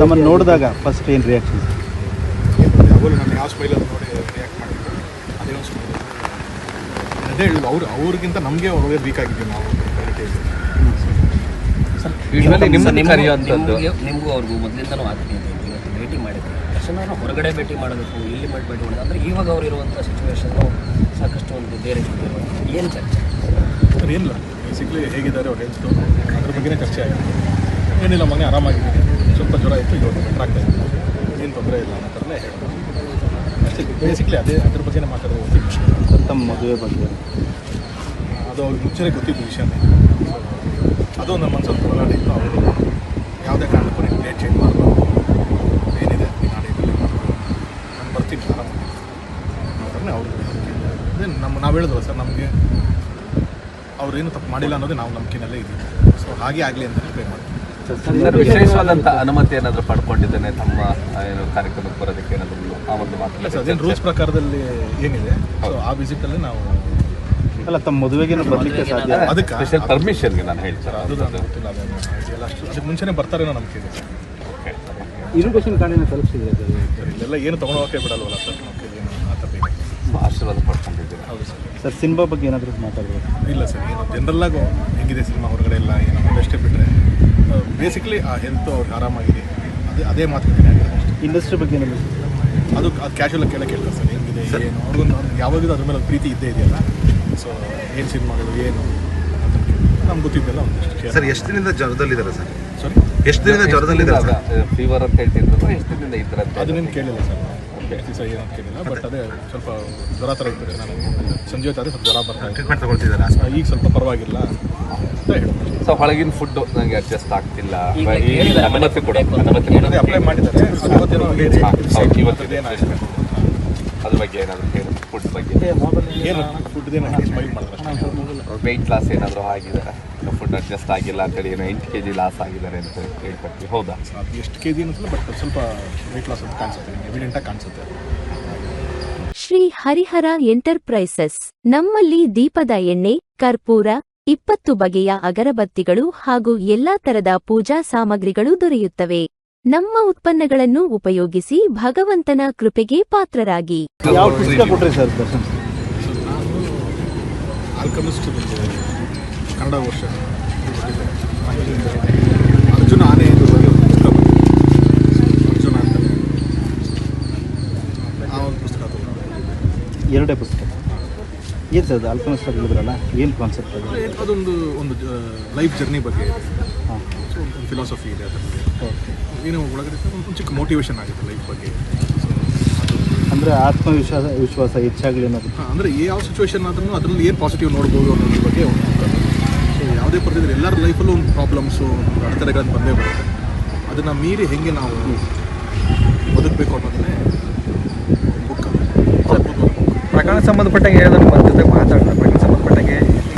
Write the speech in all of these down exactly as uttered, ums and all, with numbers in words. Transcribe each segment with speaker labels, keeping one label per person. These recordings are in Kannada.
Speaker 1: ತಮ್ಮನ್ನು ನೋಡಿದಾಗ ಫಸ್ಟ್ ಏನು ರಿಯಾಕ್ಷನ್?
Speaker 2: ಅವರು ನಾನು ಯಾವ ಸ್ಮೈಲಲ್ಲಿ ನೋಡಿ ರಿಯಾಕ್ಟ್ ಮಾಡಿದ್ರು ಅದೇ ಒಂದು ಸ್ಮೈಲ್. ಅದೇ ಹೇಳಿದ್ರು ಅವ್ರು ಅವ್ರಿಗಿಂತ ನಮಗೆ ಒಳ್ಳೆ ವೀಕ್ ಆಗಿದ್ದೀವಿ ನಾವು
Speaker 3: ಸರ್. ನಿಮಗೂ ಅವ್ರಿಗೂ ಮೊದಲಿಂದನೂ ಆಗ್ತೀನಿ ಇವತ್ತು ಭೇಟಿ ಮಾಡಿದ್ರು ತಕ್ಷಣ ಹೊರಗಡೆ ಭೇಟಿ ಮಾಡಬೇಕು, ಇಲ್ಲಿ ಮಾಡಿ ಭೇಟಿ ಮಾಡೋದು ಅಂದರೆ ಇವಾಗ ಅವ್ರು ಇರುವಂಥ ಸಿಚುವೇಶನ್ನು ಸಾಕಷ್ಟು ಒಂದು ಬೇರೆ ಏನು ಚರ್ಚೆ
Speaker 2: ಸರ್? ಏನಿಲ್ಲ, ಬೇಸಿಕ್ಲಿ ಹೇಗಿದ್ದಾರೆ ಅವ್ರು ಹೆಲ್ತು ಅದ್ರ ಬಗ್ಗೆನೇ ಚರ್ಚೆ ಆಗಿದೆ. ಏನಿಲ್ಲ, ಮನೆ ಆರಾಮಾಗಿದ್ದೀನಿ, ಸ್ವಲ್ಪ ಜ್ವರ ಇತ್ತು, ಇವಾಗ ಬೆಟ್ರ್ ಆಗ್ತಾ ಇತ್ತು, ಏನು ತೊಂದರೆ ಇಲ್ಲ ಅನ್ನೋ ಥರನೇ ಹೇಳ್ಬೋದು ಅಷ್ಟೇ. ಬೇಸಿಕ್ಲಿ ಅದೇ ಅದ್ರ ಬಗ್ಗೆನೇ ಮಾತಾಡೋದು ಗೊತ್ತಿತ್ತು.
Speaker 1: ತಮ್ಮ ಮದುವೆ ಬಗ್ಗೆ
Speaker 2: ಅದು ಅವ್ರಿಗೆ ಮುಂಚೆನೇ ಗೊತ್ತಿದ್ದು ವಿಷಯನೇ. ಅದು ನಮ್ಮ ಮನಸ್ಸಲ್ಲಿ ಹೋರಾಟ ಇತ್ತು. ಅವರು ಯಾವುದೇ ಕಾರಣಕ್ಕೂ ನೀವು ಡೇಟ್ ಚೇಂಜ್ ಮಾಡಬಾರ್ದು, ಏನಿದೆ ನೀನು ಆ ಡೇಟಲ್ಲಿ ಮಾಡ್ಬೋದು, ನಾನು ಬರ್ತೀನಿ ಆರಾಮಾಗಿ ಅವ್ರನ್ನೇ ಅವ್ರಿಗೆ ಅದೇ ನಮ್ಮ ನಾವು ಹೇಳಿದ್ವಲ್ಲ ಸರ್, ನಮಗೆ ಅವ್ರೇನು ತಪ್ಪು ಮಾಡಿಲ್ಲ ಅನ್ನೋದೇ ನಾವು ನಂಬಿಕೆನಲ್ಲೇ ಇದ್ದೀವಿ. ಸೊ ಹಾಗೆ ಆಗಲಿ ಅಂತಲೇ ಪ್ರೇ ಮಾಡ್ತೀವಿ.
Speaker 4: ವಿಶೇಷವಾದಂಥ ಅನುಮತಿ ಏನಾದರೂ ಪಡ್ಕೊಂಡಿದ್ದೇನೆ ತಮ್ಮ ಏನು ಕಾರ್ಯಕ್ರಮಕ್ಕೆ ಬರೋದಕ್ಕೆ ಏನಾದರೂ ಆ ಒಂದು ಮಾತು?
Speaker 2: ಸರ್, ಅದೇನು ರೂಲ್ಸ್ ಪ್ರಕಾರದಲ್ಲಿ ಏನಿದೆ ಸೊ ಆ ವಿಸಿಟಲ್ಲಿ ನಾವು
Speaker 1: ಅಲ್ಲ ತಮ್ಮ ಮದುವೆಗೆ ಬರಲಿಕ್ಕೆ ಸಾಧ್ಯ?
Speaker 2: ಅದಕ್ಕೆ
Speaker 4: ಸ್ಪೆಷಲ್ ಪರ್ಮಿಷನ್ಗೆ ನಾನು ಹೇಳ್ತೀನಿ
Speaker 2: ಅದು ನನಗೆ ಗೊತ್ತಿಲ್ಲ. ಅದನ್ನು ಎಲ್ಲ ಅಷ್ಟು ಅದಕ್ಕೆ ಮುಂಚೆನೇ ಬರ್ತಾರೇನೋ ನಂಬಿಕೆ ಇದೆ ಸರ್.
Speaker 4: ಓಕೆ.
Speaker 1: ಇರುಗೇಷನ್ ಕಾರ್ಡಿನ ತಲುಪಿಸಿದ್ರೆ
Speaker 2: ಸರ್ ಇಲ್ಲೆಲ್ಲ ಏನು ತೊಗೊಂಡೋಗಕ್ಕೆ ಬಿಡಲ್ವಲ್ಲ ಸರ್, ನಮಗೆ ಏನು ಆ ಥರ ಬೇಕು.
Speaker 4: ಆಶೀರ್ವಾದ ಪಡ್ಕೊಂಡಿದ್ದೀರಾ?
Speaker 2: ಹೌದು ಸರ್.
Speaker 1: ಸರ್ ಸಿನಿಮಾ ಬಗ್ಗೆ ಏನಾದರೂ ಮಾತಾಡಬೇಕು?
Speaker 2: ಇಲ್ಲ ಸರ್, ಏನು ಜನರಲ್ಲಾಗು ಹೆಂಗಿದೆ ಸಿನಿಮಾ ಹೊರಗಡೆ ಎಲ್ಲ ಏನೋ ಅಷ್ಟೇ ಬಿಟ್ಟರೆ ಬೇಸಿಕ್ಲಿ ಆ ಹೆಲ್ತ್ ಅವ್ರಿಗೆ ಆರಾಮಾಗಿದೆ, ಅದೇ ಅದೇ ಮಾತುಕತೆ ಆಗಿದೆ ಅಷ್ಟೇ.
Speaker 1: ಇಂಡಸ್ಟ್ರಿ ಬಗ್ಗೆ ಏನಾದರೂ
Speaker 2: ಅದು ಅದು ಕ್ಯಾಶುವಲಾಗಿ ಕೇಳಕ್ಕೆ ಕೇಳ್ತಾರೆ ಸರ್, ಹೆಂಗಿದೆ ಏನು ಅವ್ರಿಗೊಂದು ಯಾವಾಗಲೂ ಅದ್ರ ಮೇಲೆ ಒಂದು ಪ್ರೀತಿ ಇದ್ದೇ ಇದೆಯಲ್ಲ. ಸೊ ಏನು ಸಿನಿಮಾಗಳು ಏನು ನಮ್ಗೆ ಗೊತ್ತಿದ್ದೆಲ್ಲ ಒಂದಿಷ್ಟು.
Speaker 5: ಸರ್ ಎಷ್ಟು ದಿನದಿಂದ ಜ್ವರದಲ್ಲಿದ್ದಾರೆ ಸರ್?
Speaker 2: ಸಾರಿ,
Speaker 5: ಎಷ್ಟು ದಿನದಿಂದ ಜ್ವರದಲ್ಲಿದ್ದಾರೆ?
Speaker 4: ಫೀವರ್ ಅಂತ ಹೇಳ್ತಿದ್ರು, ಎಷ್ಟು ದಿನದಿಂದ ಇದ್ರಂತೆ?
Speaker 2: ಅದನ್ನೇನು ಕೇಳಿಲ್ಲ ಸರ್, ಎಷ್ಟು ದಿವಸ ಏನಂತ ಕೇಳಿಲ್ಲ. ಬಟ್ ಅದೇ ಸ್ವಲ್ಪ ಜ್ವರ ಥರ ಇರ್ತದೆ. ನಾನು ಸಂಜೆ ಹೊತ್ತಾದರೆ ಸ್ವಲ್ಪ ಜ್ವರ ಬರ್ತಾ ಇದೆ.
Speaker 5: ಟ್ರೀಟ್ಮೆಂಟ್ ತಗೊಳ್ತಿದ್ದಾರೆ?
Speaker 2: ಈಗ ಸ್ವಲ್ಪ ಪರವಾಗಿಲ್ಲ ಅಂತ ಹೇಳ್ಬೋದು.
Speaker 4: ಸೊ ಹೊಳಗಿನ ಫುಡ್ ನನಗೆ ಅಡ್ಜಸ್ಟ್ ಆಗ್ತಿಲ್ಲ,
Speaker 3: ಈಗ
Speaker 4: ಈ
Speaker 3: ಕೇಳಿದ್ದಾರೆ,
Speaker 4: ಅನುಮತಿ ಕೊಡ
Speaker 3: ಬೇಕು ಅಂತ
Speaker 4: ಅನುಮತಿ
Speaker 2: ಅದೇ ಅಪ್ಲೈ ಮಾಡಿದ್ದಾರೆ. ಇವತ್ತೇನೋ
Speaker 4: ಇವತ್ತು ಏನಾಗಿದೆ ಅದ್ರ ಬಗ್ಗೆ ಏನಾದರೂ ಹೇಳಿ, ಫುಡ್ ಬಗ್ಗೆ
Speaker 2: ಏನು ಫುಡ್ದೇನೋ ಸ್ಮೈಲ್ ಮಾಡ್ತಾರೆ.
Speaker 4: ವೆಯ್ಟ್ ಲಾಸ್ ಏನಾದರೂ ಆಗಿದೆ, ಫುಡ್ ಅಡ್ಜಸ್ಟ್ ಆಗಿಲ್ಲ ಅಂತೇಳಿ ಏನೋ ಎಂಟು ಕೆ ಜಿ ಲಾಸ್ ಆಗಿದ್ದಾರೆ ಅಂತ ಹೇಳ್ಕೊಡ್ತೀವಿ, ಹೌದಾ?
Speaker 2: ಅದು ಎಷ್ಟು ಕೆ ಜಿ ಅನ್ನಿಸಲ್ಲ, ಬಟ್ ಸ್ವಲ್ಪ ವೆಯ್ಟ್ ಲಾಸ್ ಅಂತ ಕಾಣಿಸುತ್ತೆ, ಎವಿಡೆಂಟಾಗಿ ಕಾಣಿಸುತ್ತೆ.
Speaker 6: ಶ್ರೀ ಹರಿಹರ ಎಂಟರ್ಪ್ರೈಸಸ್ ನಮ್ಮಲ್ಲಿ ದೀಪದ ಎಣ್ಣೆ, ಕರ್ಪೂರ, ಇಪ್ಪತ್ತು ಬಗೆಯ ಅಗರಬತ್ತಿಗಳು ಹಾಗೂ ಎಲ್ಲಾ ತರದ ಪೂಜಾ ಸಾಮಗ್ರಿಗಳು ದೊರೆಯುತ್ತವೆ. ನಮ್ಮ ಉತ್ಪನ್ನಗಳನ್ನು ಉಪಯೋಗಿಸಿ ಭಗವಂತನ ಕೃಪೆಗೆ ಪಾತ್ರರಾಗಿ.
Speaker 1: ಯಾವ ಪುಸ್ತಕ ಕೊಟ್ರಿ ಸರ್ ದರ್ಶನ್?
Speaker 2: ಸೊ ನಾನು ಆಲ್ಕಮಿಸ್ಟ್ ಕನ್ನಡ ವರ್ಷ ಅರ್ಜುನ ಆನೆ ಎಂದು ಬಗ್ಗೆ ಒಂದು ಪುಸ್ತಕ ಬಂದಿದೆ. ಅರ್ಜುನ ಅಂತಲೇ ಆ ಒಂದು ಪುಸ್ತಕ ತಗೊಂಡು
Speaker 1: ಎರಡೇ ಪುಸ್ತಕ ಏನು ಸರ್? ಅದು ಆಲ್ಕಮಿಸ್ಟ್ ಹೇಳಿದ್ರಲ್ಲ, ಏನು ಕಾನ್ಸೆಪ್ಟ್ ಅದು?
Speaker 2: ಅದೊಂದು ಒಂದು ಲೈಫ್ ಜರ್ನಿ ಬಗ್ಗೆ ಇದೆ.
Speaker 1: ಹಾಂ,
Speaker 2: ಸೊ ಒಂದು ಫಿಲಾಸಫಿ ಇದೆ ಅದರಲ್ಲಿ.
Speaker 1: ಓಕೆ.
Speaker 2: ಏನೋ ಒಳಗಡೆ ಒಂದು ಚಿಕ್ಕ ಮೋಟಿವೇಶನ್ ಆಗುತ್ತೆ ಲೈಫ್ ಬಗ್ಗೆ. ಸೊ ಅದು
Speaker 1: ಅಂದರೆ ಆತ್ಮವಿಶ್ವಾಸ ವಿಶ್ವಾಸ ಹೆಚ್ಚಾಗಲಿ ಅನ್ನೋದು.
Speaker 2: ಹಾಂ, ಅಂದರೆ ಯಾವ ಸಿಚುವೇಶನ್ ಆದ್ರೂ ಅದರಲ್ಲಿ ಏನು ಪಾಸಿಟಿವ್ ನೋಡ್ಬೋದು ಅನ್ನೋದ್ರ ಬಗ್ಗೆ ಒಂದು ಸೊ ಯಾವುದೇ ಪರಿಸ್ಥಿತಿ ಎಲ್ಲರ ಲೈಫಲ್ಲೂ ಒಂದು ಪ್ರಾಬ್ಲಮ್ಸು, ಒಂದು ಅಡೆತಡೆಗಳನ್ನು ಬಂದೇ ಬರುತ್ತೆ. ಅದನ್ನು ಮೀರಿ ಹೇಗೆ ನಾವು ಬದುಕಬೇಕು ಅನ್ನೋದನ್ನೇ ಬುಕ್.
Speaker 7: ಪ್ರಕರಣ ಸಂಬಂಧಪಟ್ಟಂಗೆ ಹೇಳಿದ್ರೆ ನಮ್ಮ ಜೊತೆ ಮಾತಾಡ್ತಾರೆ. ಪ್ರಕರಣ ಸಂಬಂಧಪಟ್ಟಂಗೆ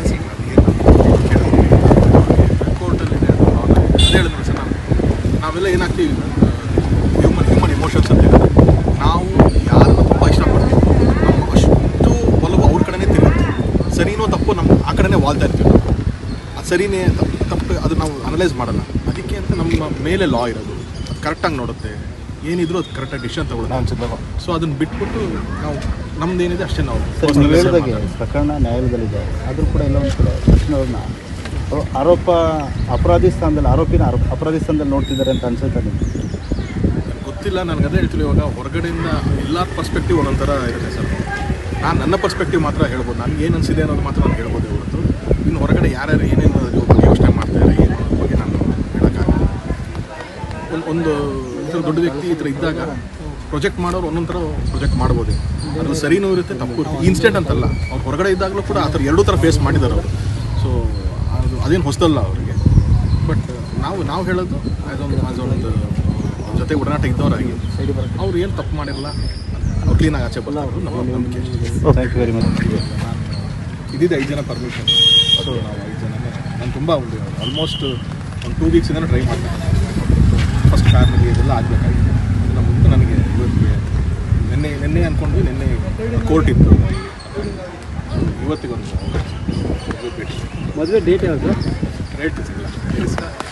Speaker 2: ಕೋರ್ಟಲ್ಲಿದೆ ಅದು ಅದೇ ಹೇಳಿದ್ರು ಸರ್. ನಾವು ನಾವೆಲ್ಲ ಏನಾಗ್ತೀವಿ, ಹ್ಯೂಮನ್ ಹ್ಯೂಮನ್ ಇಮೋಷನ್ಸ್ ಅಂತ ಹೇಳಿದ್ರೆ ನಾವು ಯಾರನ್ನು ತುಂಬ ಇಷ್ಟಪಡ್ತೀವಿ, ನಮ್ಮ ಅಷ್ಟು ಒಲವು ಅವ್ರ ಕಡೆನೇ ತಿರುಗುತ್ತೆ. ಸರಿನೋ ತಪ್ಪು ನಮ್ಮ ಆ ಕಡೆನೇ ವಾಲ್ತಾ ಇರ್ತೀವಿ ನಾವು. ಅದು ಸರಿನೇ ತಪ್ಪು ತಪ್ಪು ಅದು ನಾವು ಅನಲೈಸ್ ಮಾಡಲ್ಲ. ಅದಕ್ಕೆ ಅಂತ ನಮ್ಮ ಮೇಲೆ ಲಾ ಇರೋದು, ಅದು ಕರೆಕ್ಟಾಗಿ ನೋಡುತ್ತೆ, ಏನಿದ್ರು ಅದು ಕರೆಕ್ಟಾಗಿ ಡಿಸಿಷನ್ ತಗೊಳ್ಳೋದು. ಸೊ ಅದನ್ನು ಬಿಟ್ಬಿಟ್ಟು ನಾವು ನಮ್ದೇನಿದೆ ಅಷ್ಟೇ ನಾವು.
Speaker 1: ಸರ್ ನೀವು ಹೇಳಿದಾಗೆ ಪ್ರಕರಣ ನ್ಯಾಯಾಲಯದಲ್ಲಿದೆ, ಆದರೂ ಕೂಡ ಎಲ್ಲ ಒಂದು ಕಡೆ ಕೃಷ್ಣವ್ರನ್ನ ಆರೋಪ ಅಪರಾಧಿ ಸ್ಥಾನದಲ್ಲಿ ಆರೋಪಿನ ಆರೋಪ ಅಪರಾಧಿ ಸ್ಥಾನದಲ್ಲಿ ನೋಡ್ತಿದ್ದಾರೆ ಅಂತ ಅನ್ಸುತ್ತೆ ನಿಮಗೆ?
Speaker 2: ಗೊತ್ತಿಲ್ಲ, ನನಗೆ ಅದೇ ಹೇಳ್ತೀವಿ. ಇವಾಗ ಹೊರಗಡೆಯಿಂದ ಎಲ್ಲ ಪರ್ಸ್ಪೆಕ್ಟಿವ್ ಒಂದೊಂಥರ ಇರುತ್ತೆ ಸರ್. ನಾನು ನನ್ನ ಪರ್ಸ್ಪೆಕ್ಟಿವ್ ಮಾತ್ರ ಹೇಳ್ಬೋದು, ನನಗೆ ಏನು ಅನಿಸಿದೆ ಅನ್ನೋದು ಮಾತ್ರ ನಾನು ಹೇಳ್ಬೋದು ಹೊರತು ಇನ್ನು ಹೊರಗಡೆ ಯಾರ್ಯಾರು ಏನೇನು ಬಗ್ಗೆ ಯೋಚನೆ ಮಾಡ್ತಾರೆ ಏನು ಅನ್ನೋದ್ರ ಬಗ್ಗೆ ನಾನು ಹೇಳೋಕ್ಕಾಗಲ್ಲ. ಒಂದು ಒಂದು ಈ ಥರ ದೊಡ್ಡ ವ್ಯಕ್ತಿ ಈ ಥರ ಇದ್ದಾಗ ಪ್ರೊಜೆಕ್ಟ್ ಮಾಡೋರು ಒಂದೊಂದು ಥರ ಪ್ರೊಜೆಕ್ಟ್ ಮಾಡ್ಬೋದು. ಅದ್ರಲ್ಲಿ ಸರಿನೂ ಇರುತ್ತೆ, ತಪ್ಪು ಇರುತ್ತೆ. ಇನ್ಸ್ಟೆಂಟ್ ಅಂತಲ್ಲ, ಅವ್ರು ಹೊರಗಡೆ ಇದ್ದಾಗಲೂ ಕೂಡ ಆ ಥರ ಎರಡೂ ಥರ ಫೇಸ್ ಮಾಡಿದ್ದಾರೆ ಅವರು. ಸೊ ಅದು ಅದೇನು ಹೊಸದಲ್ಲ ಅವರಿಗೆ. ಬಟ್ ನಾವು ನಾವು ಹೇಳೋದು ಆ್ಯಸ್ ಒಂದು ಆ್ಯಸ್ ಒಂದು ಅವ್ರ ಜೊತೆ ಒಡನಾಟ ಇದ್ದವರಾಗಿ ಅವ್ರು ಏನು ತಪ್ಪು ಮಾಡಿರಲ್ಲ, ಅವ್ರು ಕ್ಲೀನಾಗಿ ಆಚೆ ಬರೋದು ನಮ್ಮ ನಂಬಿಕೆ.
Speaker 1: Thank you very much.
Speaker 2: ಇದ್ದಿದ್ದು ಐದು ಜನ ಪರ್ಮಿಷನ್. ಸೊ ನಾವು ಐದು ಜನನೇ ನಾನು ತುಂಬ ಒಂದು ಆಲ್ಮೋಸ್ಟ್ ಒಂದು ಟೂ ವೀಕ್ಸಿಂದ ಟ್ರೈ ಮಾಡ್ತೀನಿ. ಫಸ್ಟ್ ಫ್ಯಾಮಿಲಿ ಇದೆಲ್ಲ ಆಗಬೇಕಾಗಿತ್ತು. ಅದನ್ನು ಮುಂದೆ ನನಗೆ ಇವತ್ತಿಗೆ ನಿನ್ನೆ ನಿನ್ನೆ ಅಂದ್ಕೊಂಡ್ವಿ, ನಿನ್ನೆ ಕೋರ್ಟ್ ಇತ್ತು, ಇವತ್ತಿಗೊಂದು ಭೇಟಿ.
Speaker 1: ಮದುವೆ ಡೇಟ್ ಯಾವುದು?
Speaker 2: ರೇಟ್ ಸಿಗಲ್ಲ.